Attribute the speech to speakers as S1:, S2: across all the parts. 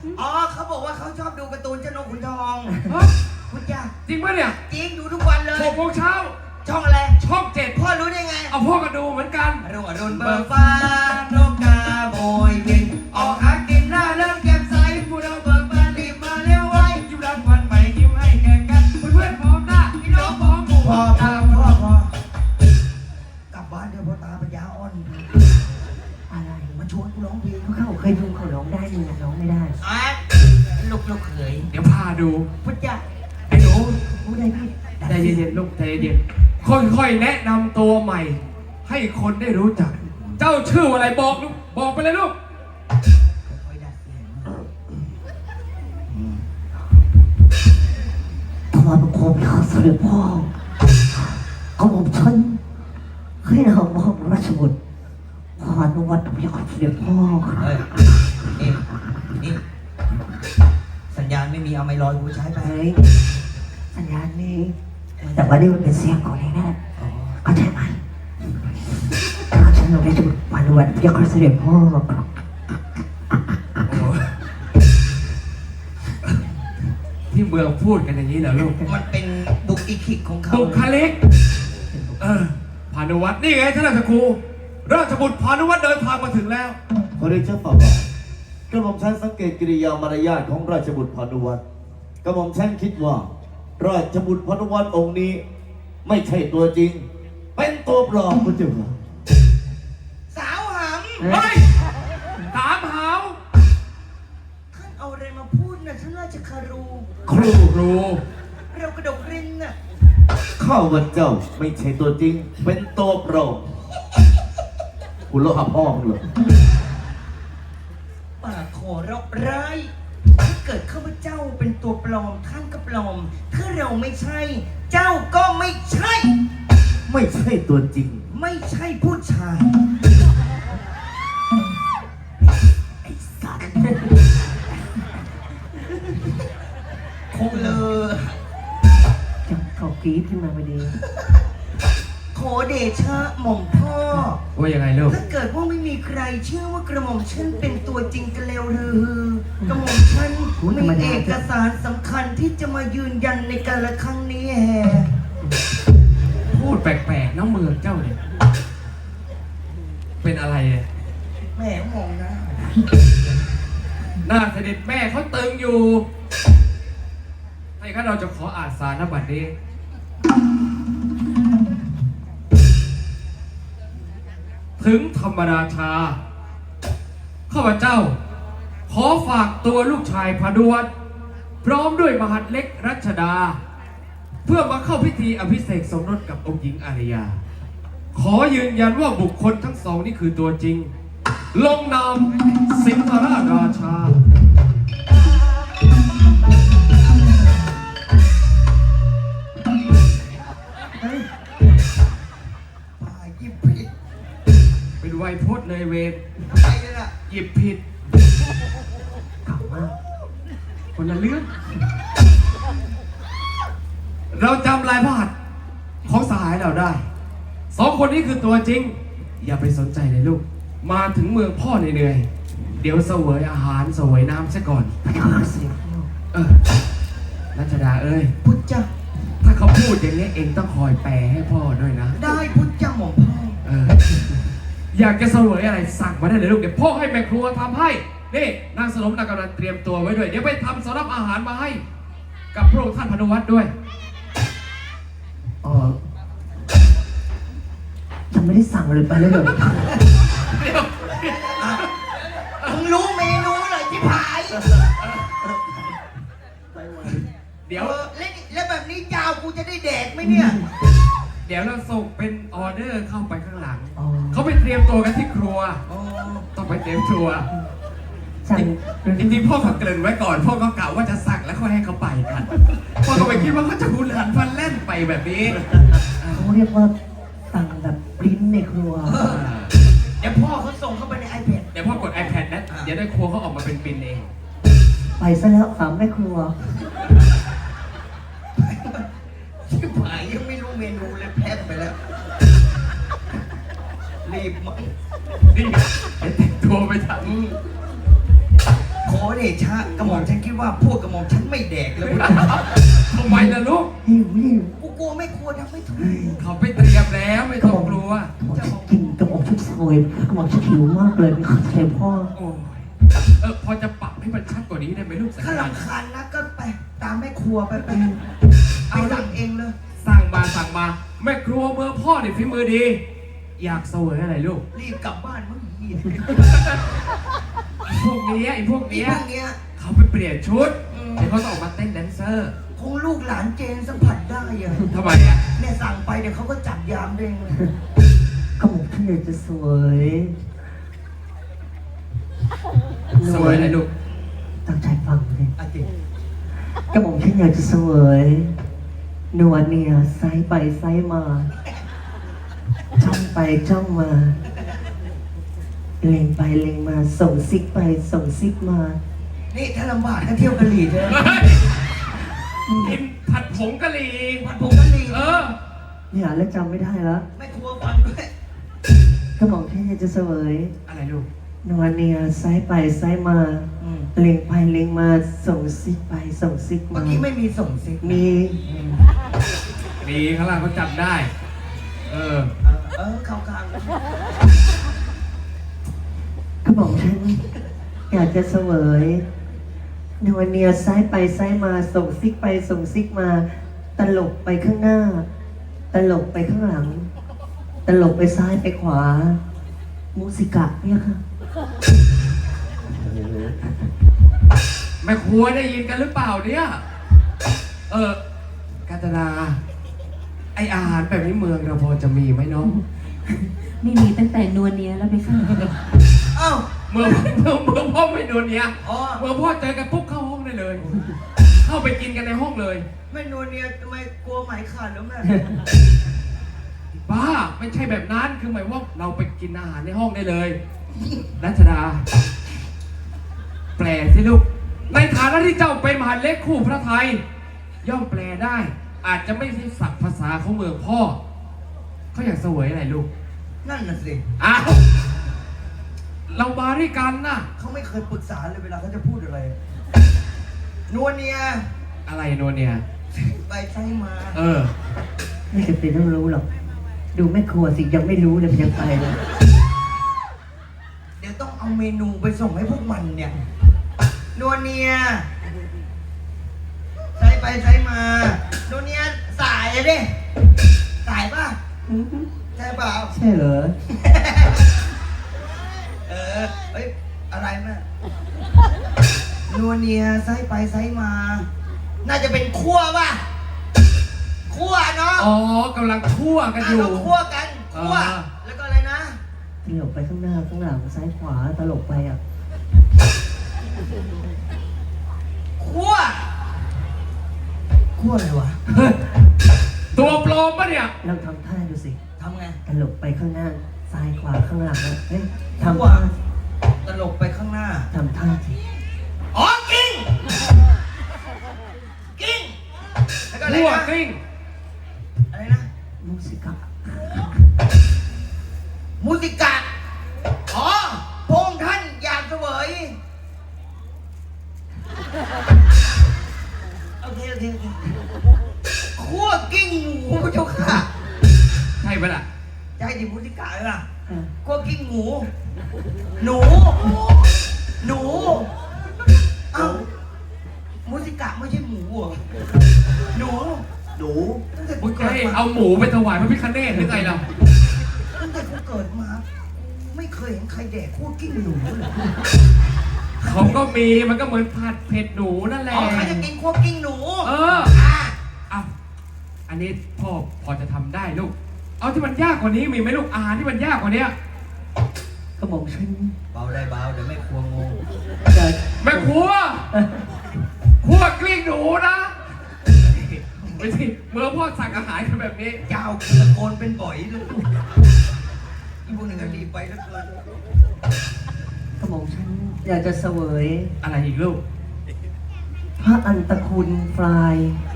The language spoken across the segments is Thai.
S1: อ๋อเขาบอกว่าเขาชอบดูการ์ตูนเจ้านกขุนทองคุณจ้า
S2: จริงปะเนี่ย
S1: จริงดูทุกวันเลย
S2: 6 โมงเช้า
S1: ช่องอะไร
S2: ช่อง 7
S1: พ่อรู้ได้ไง
S2: เอาพ่อก็ดูเหมือนกัน
S1: รุ่งเบิกฟ้านกกาโบยบินออกหากินหน้าเริ่มแก้มใสผู้เราเบิกบานรีบมาเร็วไว้
S2: ยิ้มรับวันใหม่ยิ้มให้แก่กันเพื่อนพร้อมหน้าพี่น้องพร้อมหมู่
S1: พ่อกลับบ้านเดี๋ยวพ่อตาปัญญาอ่อน
S3: อะไร
S1: มาชวนกูร้องเพลง
S3: เขาเคยดูเขาร้องได้มึงร้องไม่ได้
S1: ลูกเขย
S2: เดี๋ยวพาดู
S1: พุทธเจ้า
S2: ไอ้หนู
S3: พูดได้พี่
S2: ใจเย็นๆลูกใจเย็นค่อยๆแนะนำตัวใหม่ ให้คนได้รู้จัก เจ้าชื่ออะไรบอกลูกบอกไปเลยลูก
S3: ถวายบังคมข้าเสด็จพ่อเอาผมฉันให้เรามอบราชบุตรพานุวัฒน์พยาเสด็จพ่อ
S1: นี่สัญญาณไม่มีเอาไม้ลอยกูใช้ไป
S3: สัญญาณนี้แต่ว่านี่มันเป็นเสียงของนี่นะเข้าใจไหมฉันเราได้จะพานุวัฒน์พยาเสด็จพ่อ
S2: ที่เมืองพูดกันอย่างนี้เหรอลูก
S1: มันเป็นบุคลิกของเขา
S2: บุคลิกพานุวัฒน์นี่ไงท่านราชครูราชบุตรพานุวัฒน์เดินทางมาถึงแล้ว
S4: ขอเรียนเชิญฝ่าบาทกระหม่อมฉันสังเกตกิริยามารยาทของราชบุตรพานุวัฒน์กระหม่อมฉันคิดว่าราชบุตรพานุวัฒน์องค์นี้ไม่ใช่ตัวจริงเป็นตัวปลอมคุณเจ้าค่ะ
S1: สาวหำ
S2: เฮ้ยถามหาว
S1: ท่านเอาอะไรมาพูดนะท่านราชคารู
S4: ครู
S1: เรากระดกรินน่ะ
S4: ข้าวันเจ้าไม่ใช่ตัวจริงเป็นตัวปลอมคุณโลหะพ่อมึงเหรอ
S1: ปากขอรบร้ายถ้าเกิดข้าพเจ้าเป็นตัวปลอมท่านก็ปลอมถ้าเราไม่ใช่เจ้าก็ไม่ใช่
S4: ไม่ใช่ตัวจริง
S1: ไม่ใช่ผู้ชายไอ้สัตว์คงเลย
S3: เขากรี๊ดขึ้นมาพอดี
S1: ขอเดชะหม่อมพ่อ
S2: ว่ายังไงลูก
S1: ถ้าเกิดว่าไม่มีใครเชื่อว่ากระหม่อมฉันเป็นตัวจริงกันแล้วหรือกระหม่อมฉันมีเอกสารสำคัญที่จะมายืนยันในการละครั้งนี้แฮ
S2: พูดแปลกๆน้องเมืองเจ้าเนี่ยเป็นอะไรเนี่ย
S1: แม่มองนะ
S2: หน้าเสด็จแม่เขาตึงอยู่ให้ข้าเราจะขออ่านสารนบัตรนี้ถึงธรรมราชาข้าพเจ้าขอฝากตัวลูกชายพานุวัฒน์พร้อมด้วยมหัดเล็กรัชดาเพื่อมาเข้าพิธีอภิเษกสมรสกับองค์หญิงอาริยาขอยืนยันว่าบุคคลทั้งสองนี่คือตัวจริงลงนามสิงหราชาเป็นไวยพจน์เลยเวรหยิบผิด
S3: เก่ามาก
S2: คนละเรื่องเราจำลายพระหัตถ์ของสหายเราได้2 คนนี้คือตัวจริงอย่าไปสนใจเลยลูกมาถึงเมืองพ่อเหนื่อยเดี๋ยวเสวยอาหารเสวยน้ำซะก่อนรัชดาเอ้ย
S1: พุทธเจ้า
S2: ถ้าเขาพูดอย่างนี้เองต้องคอยแปลให้พ่อด้วยนะ
S1: ได้พุทธเจ้าหม่อมพ่อ
S2: อยากจะเสวยอะไรสั่งมาได้เลยลูกเดี๋ยวพ่อให้แม่ครัวทำให้นี่นางสนมนางกำลังเตรียมตัวไว้ด้วยเดี๋ยวไปทำสำรับอาหารมาให้กับพระองค์ท่านพานุวัฒน์ด้วย
S3: ฉันไม่ได้สั่งเลยไปเลย
S1: มึงรู้เมนูเลยที่ผาย
S2: เดี๋ยว
S1: แล้วแบบนี้ยาวกูจะได้แดกไหมเนี่ย
S2: เดี๋ยวเราส่งเป็นออเดอร์เข้าไปข้างหลังเขาไปเตรียมตัวกันที่ครัวต้องไปเตรียมครัวจริงๆพ่อเขาเกริ่นไว้ก่อนพ่อก็กล่าวว่าจะสั่งแล้วค่อยให้เขาไปกันพ่อก็ไปคิดว่าเขาจะหุนหันพลันแล่นไปแบบนี้
S3: เขาเรียกว่าสั่งแบบปริ้นในครัว
S1: เดี๋ยวพ่อเขาส่งเข้าไปใน iPad
S2: เดี๋ยวพ่อกด iPad นะเดี๋ยวได้ครัวเขาออกมาเป็นปริ้นเอง
S3: ไปซะแล้วสามแม่ครัว
S1: ที่ผายยังไม่รู้เมนูเลยแพ้ไปแล้วรีบมั้ง
S2: นี่แต่งตัวไปทำ
S1: ขอขอเดชะกระหม่อมฉันคิดว่าพวกกระหม่อมฉันไม่แดกแล้ว
S2: ทำไมล่ะลูก
S3: หิวหิว
S1: กูกลัวไม่กลัวทำไม่ถูก
S2: เขาไปเตรียมแล้วไม่ต้องกลัว
S3: กระหม่อมฉันกินกระหม่อมชุบสวยกระหม่อมฉันหิวมากเลยไม่เข้าใจพ่อ
S2: โอ้ยพอจะปรับให้มันชัดกว่านี้ได้ไหมลูกสัญ
S1: ถ้า
S2: ญาณ
S1: รำคาญนะก็ไปตามแม่ครัวไปเอาสั่งเองเลย
S2: สั่งมาแม่ครัวเมืองพ่อเนี่ยฝีมือดี อยากเสวยอะไรลูก
S1: รีบกลับบ้านมึงเหี้ย
S2: พวกเนี้ยไอ้พวก
S1: นี่
S2: เนี้ย
S1: พวกเนี้ย
S2: เขาไปเปลี่ยนชุดเดี๋ยวเขาต้องออกมาเต้นแดนเซอร์
S1: คงลูกหลานเจนสัมผัสได้อะ
S2: ทำไมอ่ะ
S1: เนี่ยสั่งไปเดี๋ยวเขาก็จับยามเองเลย
S3: กระหม่อมฉันอยากจะสวย
S2: เสวยอะไรลูก
S3: ตั้งใจฟังเลย
S1: อาจิ
S3: กระหม่อมฉันอยากจะสวยนวลเนี่ยไซส์ไปไซส์มาจ้องไปจ้องมาเล็งไปเล็งมาส่งซิกไปส่งซิกมา
S1: นี่ถ้าลำบากก็เที่ยวกะหรี่เถอะ
S2: กินผัดผงกะหรี่
S1: ผัดผงกะหรี่
S3: เนี่ยแล้วจำไม่ได้แล้ว
S1: แม่ครัวฟังด้วย
S3: กระหม่อมฉันอยากจะสวย
S2: อะไรลูก
S3: นวลเนี่ยไซส์ไปไซส์มาเล็งไปเล็งมาส่งซิกไปส่งซิก
S1: เมื่
S3: มา
S1: อกี้ไม่มีส่งซิก
S3: มี
S2: มีข้างล่างเขาจับได้
S1: เข้ากลาง
S3: กระหม่อมฉันอยากจะเสวยนวลเนี่ยไซส์ไปไซส์มาส่งซิกไปส่งซิกมา ตลกไปข้างหน้า ตลกไปข้างหลัง ตลกไปซ้ายไปขวามูสิกะเนี่ยค่ะ
S2: แม่ครัวได้ยินกันหรือเปล่าเนี่ยกาญจนาไออาหารแบบนี้เมืองเราพอจะมีไหมน้อง
S5: ไม่มีตั้งแต่นวลเนียแล้วไปค่ะ
S1: เอ้า
S2: เมืองพ่อไม่โดนเนี้ย
S1: อ๋อ
S2: เมืองพ่อเจอกันปุ๊บเข้าห้องได้เลย เข้าไปกินกันในห้องเลย
S1: แม่นวลเนี่ยทำไมกลัวไหมขาดแล้วแม่
S2: บ้าไม่ใช่แบบนั้นคือหมายว่าเราไปกินอาหารในห้องได้เลยรัชดา แปลสิลูกในฐานะที่เจ้าเป็นมหาเล็กคู่พระไทย ย่อมแปลได้ อาจจะไม่ใช่ศัพท์ภาษาของเมืองพ่อเขาอยากเสวยอะไรลูก
S1: นั่นน่ะสิ
S2: อ้าวเรามาด้วยกันนะ
S1: เขาไม่เคยปรึกษาเลยเวลาเขาจะพูดอะไร นวลเนี่ย
S2: อะไรโนเนี่ย
S1: ไปใช้มา
S3: ไม่จำเป็นต้องรู้หรอก ดูแม่ครัวสิยังไม่รู้เลยมันยังไปเลย
S1: เดี๋ยวต้องเอาเมนูไปส่งให้พวกมันเนี่ย นวลเนี่ยใช้ไปใช้มานวลเนี่ยสายอะดิสายป่ะใช่เปล่า
S3: ใช่เหรอ
S1: เฮ้ย อะไรแม่นัวเนียไซไปไซมา น่าจะเป็นคั่วป่ะ คั่วเนาะ
S2: อ๋อกำลังคั่วกันอยู่
S1: เราคั่วกัน คั่ว แล้วก็อะไรนะ
S3: ตลกไปข้างหน้าข้างหลังซ้ายขวาตลกไปอ่ะ
S1: คั่ว คั่วอะไรวะ
S2: ตัวปลอมปะเนี่ย
S3: เราทำท่าดูสิ
S1: ทำไง
S3: ตลกไปข้างหน้าซ้ายขวาข้างหลังนะเฮ้ย
S1: คั่ว
S3: ทำท่า
S1: ตลกไปข้างหน้า
S3: ทำท่าสิ
S1: อ๋อ กิ้ง กิ้ง แล้วก็อะไร
S2: คั่ว
S1: นะ
S2: กลิ้ง
S1: อะไรนะ
S3: มูสิกะ
S1: มูสิกะ อ๋อพงท่านอยากเสวย โอเคคั่วกิ้งหมูเจ้าค่ะ
S2: ใช่ปะล่ะ
S1: จะให้ดิมูสิกะเลยล่ะ
S3: อ่ะ
S1: คั่วกิ้งหมู หนู หนู เอ้ามูสิกะไม่ใช่หมูเหรอหนู
S4: หนู
S1: ตั้งแต่
S2: มึ
S1: กู
S2: งจะ
S1: เกิด
S2: ให้
S1: มา
S2: เอาหมูไปถวายพระพิฆเนศหรือไงล่ะ
S1: ตั้งแต่กูเกิดมา ไม่เคยเห็นใครแดกคั่วกิ้งหนูเลย
S2: เขาก็มีมันก็เหมือนผัดเผ็ดหนูนั่นแหละ
S1: อ๋อใครจะกินคั่วกิ้งหนู
S2: อ่ะ
S1: อ่ะ
S2: เอาอันนี้พ่อพอจะทำได้ลูก เอาที่มันยากกว่านี้มีไหมลูกอาหารที่มันยากกว่านี้
S3: กระหม่อมฉัน
S1: เบาได้เบาเดี๋ยวไม่ครัวงง
S3: จะ
S2: แม่ครัวคั่วกลิ้งหนูนะไม่สิเมื่อพ่อสั่งอาหารกันแบบนี้
S1: เจ้าตะโกนเป็นบ่อยเลยอีพวกหนึ่งก็รีบไปแล้วเกิน
S3: กระหม่อมฉันอยากจะเสวย
S2: อะไรอีกลูก
S3: พระอันตะคุณฟลาย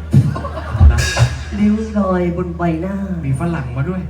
S3: ริ้วรอยบนใบหน้า
S2: มีฝรั่งมาด้วย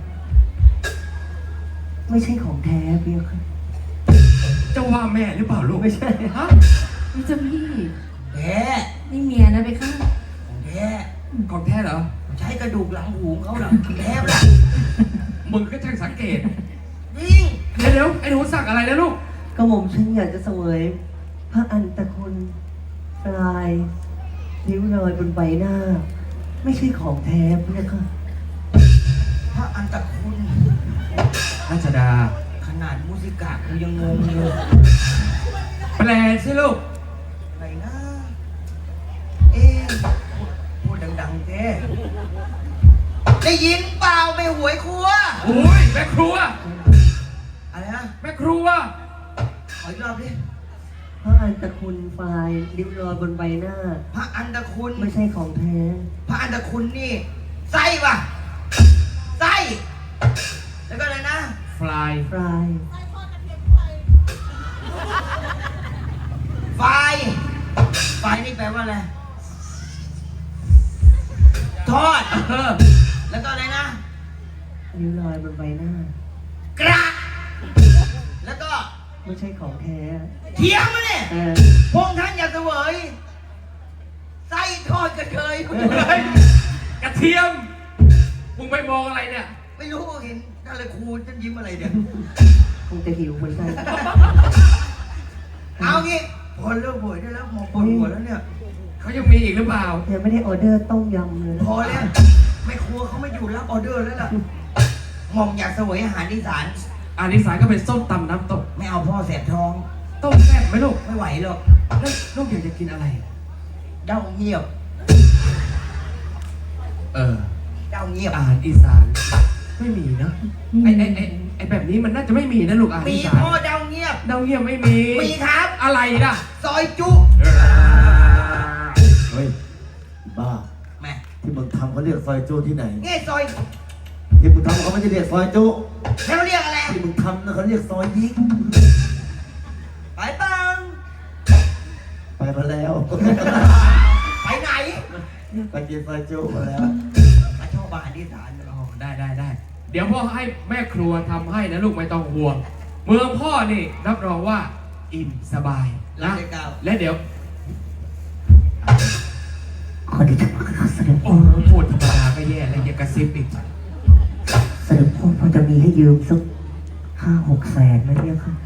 S3: ไม่ใช่ของแท้เพียงค่ะ
S2: เจ้าว่าแม่หรือเปล่าลูก
S3: ไม่ใช่
S2: ฮะ
S5: นี่เจ้าพี่
S1: แท้
S5: นี่เมียนะไปข้า
S1: ของแท้
S2: ของแท้เหรอ
S1: ใช้กระดูกหลังหูเขาหลังแท้ละ
S2: มึงก็ช่างสังเกต
S1: ยิ่ง
S2: เดี๋ยวไอ้หนูสักอะไรนะลูก
S3: กระหม่อมฉันอยากจะเสวยพระอันตะคุณปลายนิ้วรอยบนใบหน้า ไม่ใช่ของแท้พระค่ะ
S1: พระอันตะคุณ
S2: รัชดา
S1: ขนาดมุสิกะกูยังงงเลย
S2: แปลสิลูก
S1: อะไรนะ เอ๊ะพูดดังๆแท้ได้ยินเปล่าไม่หวยครัว
S2: โอ้ยแม่ครัว
S1: อะไรนะ
S2: แม่ครัว
S1: ขออีกรอบดิ
S3: พระอันตะคุณปลายนิ้วรอยบนใบหน้า
S1: พระอันตะคุณ
S3: ไม่ใช่ของแท้
S1: พระอันตะคุณนี่ไส้ป่ะไส้แล้วก็อะไรนะ
S2: ฟลาย
S3: ปลาย
S1: ไฟไฟนี่แปลว่าอะไรทอด
S2: เออ
S1: แล้วก็อะไรนะ
S3: นิ้วรอยบนใบหน้า
S1: กระแล้วก็
S3: ไม่ใช่ของแท้
S1: เทียมมาเนี่ย
S3: เออ
S1: พงษ์ท่านอยากเสวยไส้ทอดกระเทย
S2: เฮ้ยกระเทียม มึงไปมองอะไรเนี่ย
S1: ไม่รู้เห็นท่านเลยครูท่านยิ้มอะไรเนี่ย
S3: คงจะหิวเหมือนกัน
S1: เอางี้พอเลิกบ่วยได้แล้วมองปวดหัวแล้วเนี่ย
S2: เขายังมีอีกหรือเปล่า
S3: ยังไม่ได้ออเดอร์ต้มยำเลย
S1: พอแล้วไม่ครัวเขาไม่อยู่รับออเดอร์แล้วล่ะหมอมอยากเสวยอาหารอีสาน
S2: อานิสายก็เป็นส้มตำน้ำตก
S1: ไม่เอาพ่อแสบท้อง
S2: ต้มแซ่บไหมลูก
S1: ไม่ไหวหรอก
S2: แล้วลูกอยากจะกินอะไร
S1: เด้าเงียบ
S2: เออ
S1: เด้าเงียบ
S2: อาหารอีสาน ไม่มีเนอะไอแบบนี้มันน่าจะไม่มีนะลูกอาหาร
S1: มี
S2: อีสาน
S1: พ่อเด้าเงียบ
S2: เดาเยี่ยมไม่มี
S1: มีครับ
S2: อะไรล่ะ
S1: ซอยจุ
S4: เฮ้ยบ้า
S1: แม่
S4: ที่มึงทำเขาเรียกซอยจูที่ไหน
S1: นี่ซอย
S4: ที่มึงทำเขาไม่ได้เรียกซอยจู
S1: แล้วเรียกอะไร
S4: ที่มึงทำนะเขาเรียกซอยยิก
S1: ไปปัง
S4: ไปมาแล้ว
S1: ไปไหน
S4: ไปกินซอยจูมาแล้ว
S1: มาชอบอาหารอีสานเหรอ
S2: อ๋อได้ เดี๋ยวพ่อให้แม่ครัวทำให้นะลูกไม่ต้องห่วง เมืองพ่อนี่รับรองว่าอิ่มสบาย
S1: รั
S2: นะ
S1: บเลยก้าว
S2: และเดี๋ยว
S3: ขอที่จะมาเสด็จ
S2: โอ้พูดธรรมดาก็แย่แล้วอย่ากระซิบอีก
S3: เสด็จพ่อพอจะมีให้ยืมสัก5-6 แสนไหมเนี่ยค่ะ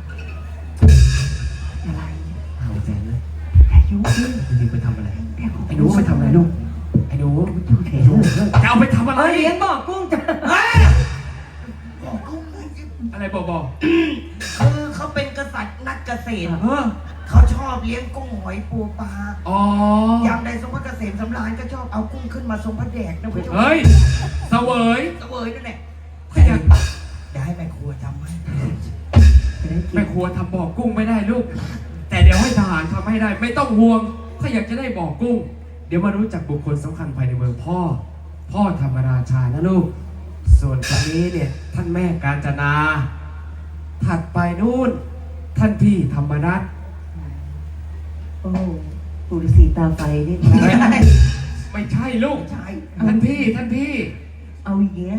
S3: อะไร
S2: เอาใจเลย
S3: อายุเยอะ
S2: จริงๆไปทำอะไร ไอ้หนูไปทำอะไรลูก ไอ้หนู
S3: ดูเถอะ
S2: จะเอาไปทำอะไร
S3: เลี้ยงบอกกุ้งจ้ะ
S1: เฮ้ยบอกลุงเลย
S2: อะไรบอก
S1: คือเขาเป็นกษัตริย์นักเกษตร
S2: เออ
S1: เขาชอบเลี้ยงกุ้งหอยปูปลา
S2: อ๋อ
S1: อย่างใดทรงพระเกษมสำราญก็ชอบเอากุ้งขึ้นมาทรงพระแดกนะคุณผู้ชม
S2: เฮ้ยเสวย
S1: เสวยนั่นแหละ
S2: ถ้าอยาก
S1: เดี๋ยวให้แม่ครัวทำให้
S3: จะได้กิ
S2: แม่
S3: น
S2: ครัวทำบ่อกุ้งไม่ได้ลูก แต่เดี๋ยวให้ทหารทำให้ได้ ไม่ต้องห่วง ถ้าอยากจะได้บ่อกุ้ง เดี๋ยวมารู้จักบุคคลสำคัญภายในเมืองพ่อ พ่อธรรมราชานะลูก ส่วนคนนี้เนี่ยท่านแม่กาญจนา ถัดไปนู่น ท่านพี่ธรรมนัส
S3: โอ้ปู่ฤาษีตาไฟนี่นะ
S2: ไม่ใช่ลูก
S1: ใช่
S2: ท่านพี่
S3: เอาอย่างเงี้ย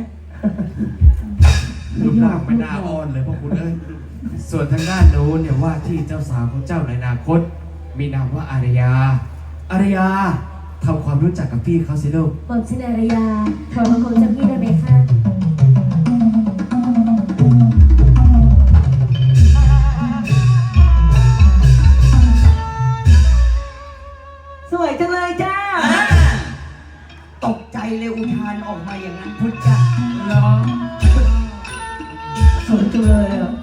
S2: รูปร่างไม่น่าอ่อนเลยพ่อคุณเอ้ย ส่วนทางด้านโน้นเนี่ยว่าที่เจ้าสาวของเจ้าในอนาคต มีนามว่าอารยา อารยาทำความรู้จักกับพี่เขาสิลูก
S5: ผมชื่อนารยาถอยมาคงจะพี่ได้ไหมคะ
S3: สวยจังเลยจ้า
S1: ตกใจเลยอุทานออกมาอย่างนั้นพุทธเจ้า
S2: เหรอ
S3: สวยจังเลยอ่ะ